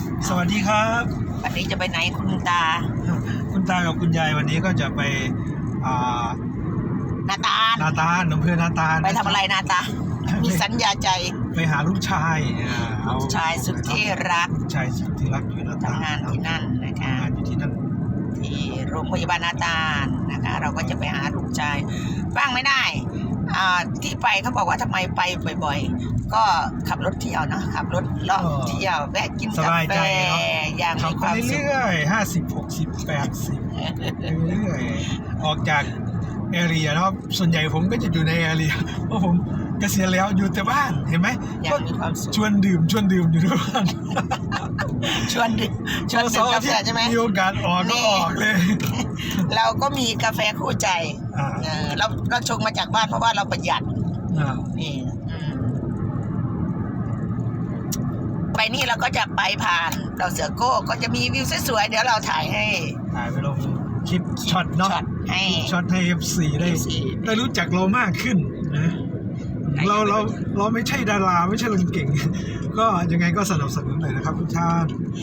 สวัสดีครับวันนี้จะไปไหนคุณตาคุณตากับคุณยายวันนี้ก็จะไปนาตาลนาตาลอำเภอนาตาลไปทำอะไรนาตามีสัญญาใจไปหาลูกชายลูกชายสุดที่รักลูกชายสุดที่รักอยู่นาตาลทำงานที่นั่นนะคะทำงานอยู่ที่นั่นที่โรงพยาบาลนาตาลนะคะเราก็จะไปหาลูกชายบ้างไม่ได้ที่ไปเขาบอกว่าทำไมไปบ่อยๆก็ขับรถเที่ยวเนาะขับรถเลาะเที่ยวแวะกินกาแฟอย่างมีความสุขเรื่อยๆเรื่อยๆออกจากแอเรียนะครับส่วนใหญ่ผมก็จะอยู่ในแอเรียเพราะผมเกษียณแล้วอยู่แต่บ้านเห็นไหมอย่างมีความสุขชวนดื่มอยู่ทุกวันชวนดื่มกาแฟใช่ไหมมีโอกาสออกก็ออกเลยเราก็มีกาแฟคู่ใจเราชงมาจากบ้านเพราะว่าเราประหยัดนี่ไปนี่เราก็จะไปผ่านดอกเสือโก้ก็จะมีวิวสวยๆเดี๋ยวเราถ่ายไปลงคลิปช็อตเนาะช็อตให้ F4 ได้รู้จักเรามากขึ้นนะเราไม่ใช่ดาราไม่ใช่คนเก่งก็ยังไงก็สนับสนุนเลยนะครับทุกท่าน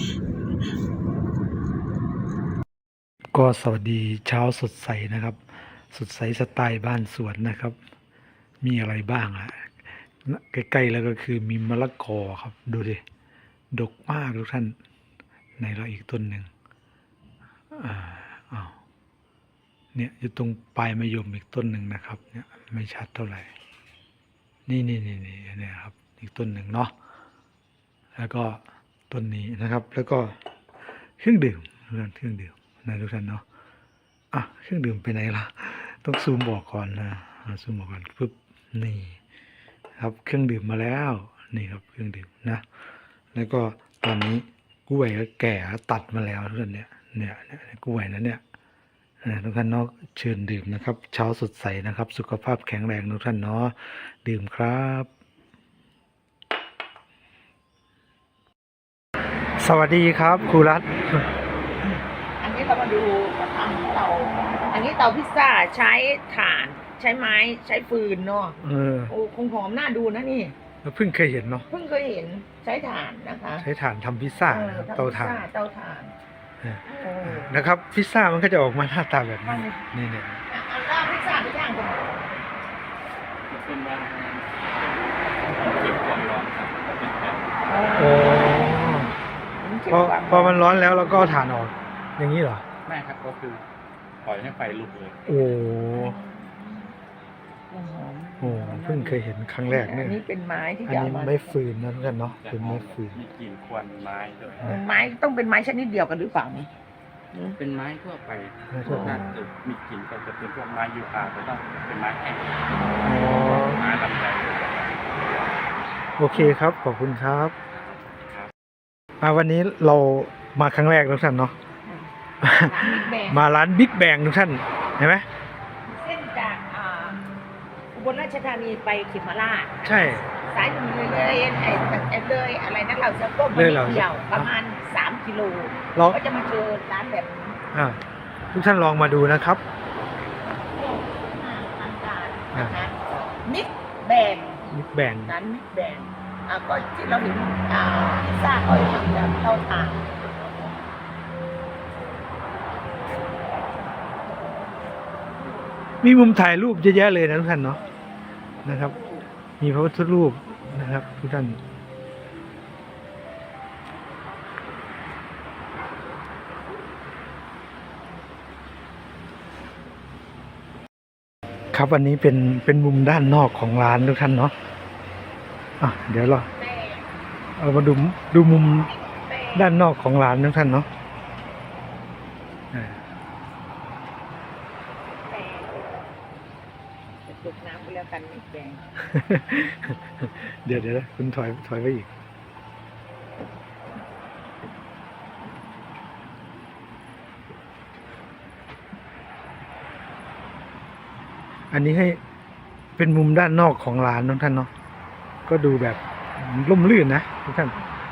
ก็สวัสดีเช้าสดใสนะครับสดใสสไตล์บ้านสวนนะครับมีอะไรบ้างอ่ะใกล้ๆแล้วก็คือมีมะละกอครับดูดิดกมากทุกท่านในเราอีกต้นหนึ่งเนี่ยอยู่ตรงปลายมะยมอีกต้นหนึ่งนะครับเนี่ยไม่ชัดเท่าไหร่นี่เนี่ยครับอีกต้นหนึ่งเนาะแล้วก็ต้นนี้นะครับแล้วก็เครื่องดื่มนะทุกท่านเนาะเครื่องดื่มไปไหนล่ะต้องซูมบอกก่อนนะซูมบอกก่อนปึ๊บนี่ครับเครื่องดื่มมาแล้วนี่ครับเครื่องดื่มนะแล้วก็ตอนนี้กล้วยก็แก่ตัดมาแล้วทุกท่านเนี่ยกล้วยนั้นเนี่ยทุกท่านเนาะเชิญดื่มนะครับเช้าสดใสนะครับสุขภาพแข็งแรงทุกท่านเนาะดื่มครับสวัสดีครับครูรัตน์อันนี้เรามาดูกระทำเตาอันนี้เตาพิซซ่าใช้ถ่านใช้ไม้ใช้ฟืนเนาะโอ้คงหอมน่าดูนะนี่เพิ่งเคยเห็นเนาะเพิ่งเคยเห็นใช้ถ่านนะคะใช้ถ่านทำพิซซ่าเตาถ่านนะครับพิซซ่ามันก็จะออกมาหน้าตาแบบนี้นี่เนี่ยแล้วพิซซ่าไปย่างกันเป็นว่าเก็บความร้อนครับโอ้พอมันร้อนแล้วเราก็ถ่านออกอย่างนี้เหรอไม่ครับก็คือปล่อยให้ไฟลุกเลยโอ้เพิ่งเคยเห็นครั้งแรกเนี่ยอันนี้เป็นไม้ที่อันนี้ไม่ฟืนนะทุกท่านเนาะเป็นไม้ฟืนมีกลิ่นควันไม้ด้วยไม้ต้องเป็นไม้ชนิดเดียวกันหรือเปล่านี่เป็นไม้ทั่วไปน่าจะมีกลิ่นก็จะเป็นพวกไม้ยูคาแต่ต้องเป็นไม้แห้งไม้ลำไยโอเคครับขอบคุณครับวันนี้เรามาครั้งแรกทุกท่านเนาะมาร้านบิ๊กแบงทุกท่านเห็นไหมเส้นจากอุบลราชธานีไปเขมราชใช่สายเลยเลยอะไรนั่นเราจะก้มมาเดียวประมาณ3 กิโลเราก็จะมาเจอร้านแบบนี้ทุกท่านลองมาดูนะครับมิกแบงร้านมิกแบงก็ที่เราเห็นพิซซ่าเขาทำแบบเตาถ่านมีมุมถ่ายรูปเยอะแยะเลยนะทุกท่านเนาะนะครับมีพระพุทธรูปนะครับทุกท่านครับอันนี้เป็นมุมด้านนอกของร้านทุกท่านเนาะเดี๋ยวเรามาดูมุมด้านนอกของร้านทุกท่านเนาะจุดน้ำไปแล้วกันมิกแบงเดี๋ยวคุณถอยไปอีกอันนี้ให้เป็นมุมด้านนอกของร้านทุกท่านเนาะก็ดูแบบร่มรื่นนะทุกท่าน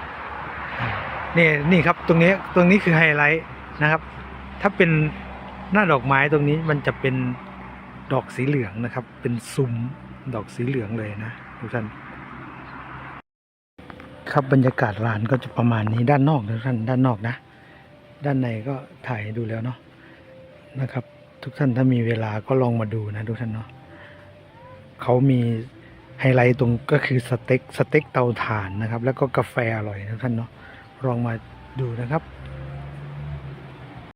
นี่ครับตรงนี้คือไฮไลท์นะครับถ้าเป็นหน้าดอกไม้ตรงนี้มันจะเป็นดอกสีเหลืองนะครับเป็นซุ้มดอกสีเหลืองเลยนะทุกท่านครับบรรยากาศร้านก็จะประมาณนี้ด้านนอกนะท่านด้านนอกนะ ด้านในก็ถ่ายให้ดูแล้วเนาะนะครับ ทุกท่านถ้ามีเวลาก็ลองมาดูนะทุกท่านเนาะเขามีไฮไลท์ตรงก็คือสเต็กเตาถ่านนะครับ แล้วก็กาแฟอร่อยนะท่านเนาะลองมาดูนะครับ